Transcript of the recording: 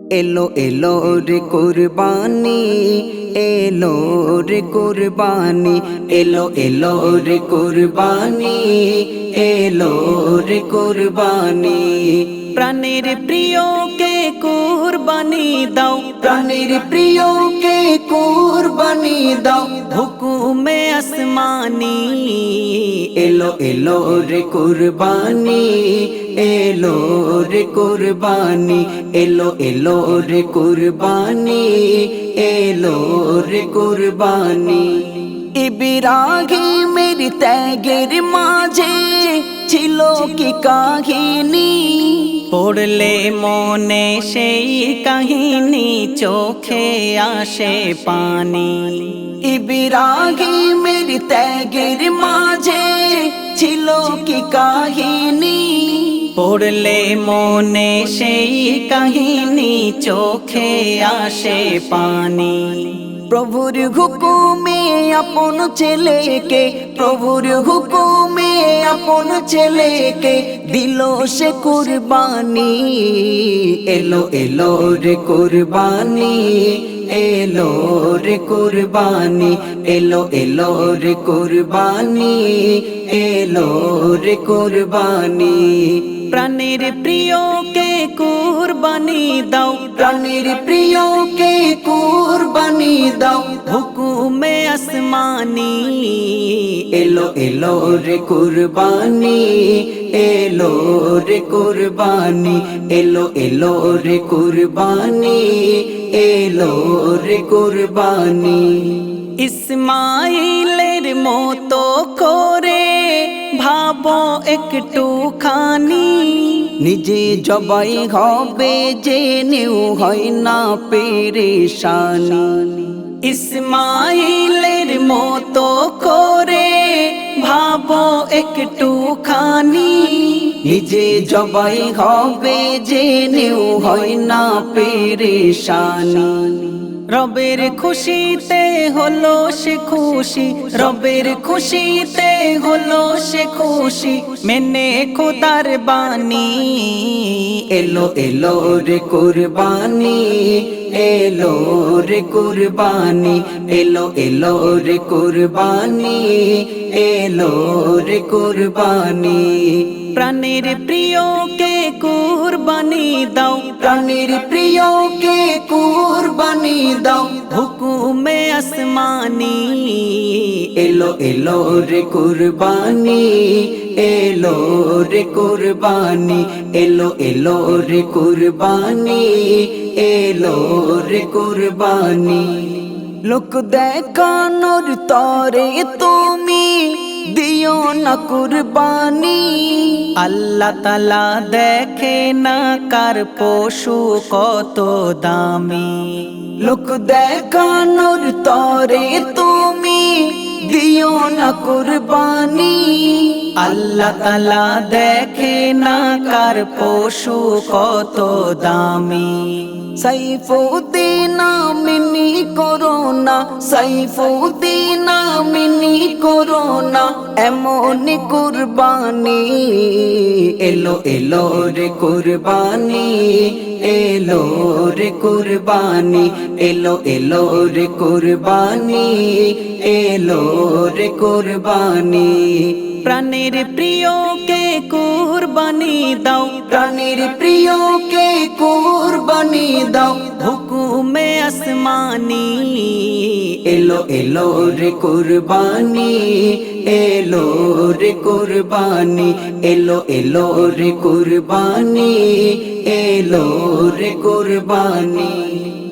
এলো এলো রে কুরবানি, এলো রে কুরবানি, এলো এলো রে কুরবানি, এলো রে কুরবানি। প্রাণের প্রিয়কে কুরবানি দাও, প্রাণের প্রিয়কে কুরবানি দাও, হুকুমে আসমানি। এলো এলো রে কুরবানি, এলো রে কুরবানি, এলো এলো রে কুরবানি, এলো রে কুরবানি। ইব্রাহিমের ত্যাগের মাঝে ছিল কি কাহিনী, পড়লে মনে সেই কাহিনী চোখে আসে পানি। ইব্রাহিমের ত্যাগের মাঝে ছিল কি কাহিনী, পড়লে মনে সেই কাহিনী চোখে আসে পানি। প্রভুর হুকুমে আপন ছেলেকে, প্রভুর হুকুমে আপন ছেলেকে দিল সে কুরবানি। এলো এলো রে কুরবানি, এলো রে কুরবানি, এলো এলো রে কুরবানি, এলো রে কুরবানি। প্রাণের প্রিয়কে কুরবানি দাও, প্রাণের প্রিয়কে কুরবানি দাও, হুকুমে আসমানি। এলো এলো রে কুরবানি, এলো রে কুরবানি, এলো এলো রে কুরবানি, এলো রে কুরবানি। ইসমাইলের মতো করে ভাবো একটু খানি, নিজে জবাই হবে জেনেও হয় না পেরেশানি। ইসমাইলের মতো করে ভাবো একটু খানি, নিজে জবাই হবে জেনেও হয় না পেরেশানি। রবের খুশিতে হলো সে খুশি, রবের খুশিতে হলো সে খুশি, মেনে খোদার বাণী। এলো এলো রে কুরবানি, এলো রে কুরবানি, এলো এলো রে কুরবানি, এলো রে কুরবানি। প্রাণের প্রিয়কে কুরবানি দাও, প্রাণের প্রিয়কে কুরবানি দাও, হুকুমে আসমানি। এলো এলো রে কুরবানি, এলো রে কুরবানি, এলো এলো রে কুরবানি, এলো রে কুরবানি। লোক দেখানোর তরে তুমি দিও না কুরবানি, আল্লাহ তাআলা দেখে না কার পশু কত দামি। লোক দেখানোর তরে তুমি দিও না কুরবানি, আল্লাহ তাআলা দেখে না কার পশু কত দামি। সাইফুদ্দিন আমিনি করোনা, সাইফুদ্দিন আমিনি করোনা, এমন কুরবানি। এলো এলো রে কুরবানি, এলো রে কুরবানি, এলো এলো রে কুরবানি, এলো রে কুরবানি। প্রাণের প্রিয়কে কুরবানি দাও, প্রাণের প্রিয়কে কুরবানি দাও, হুকুমে আসমানি। এলো এলো রে কুরবানি, এলো রে কুরবানি, এলো এলো রে কুরবানি, এলো রে কুরবানি।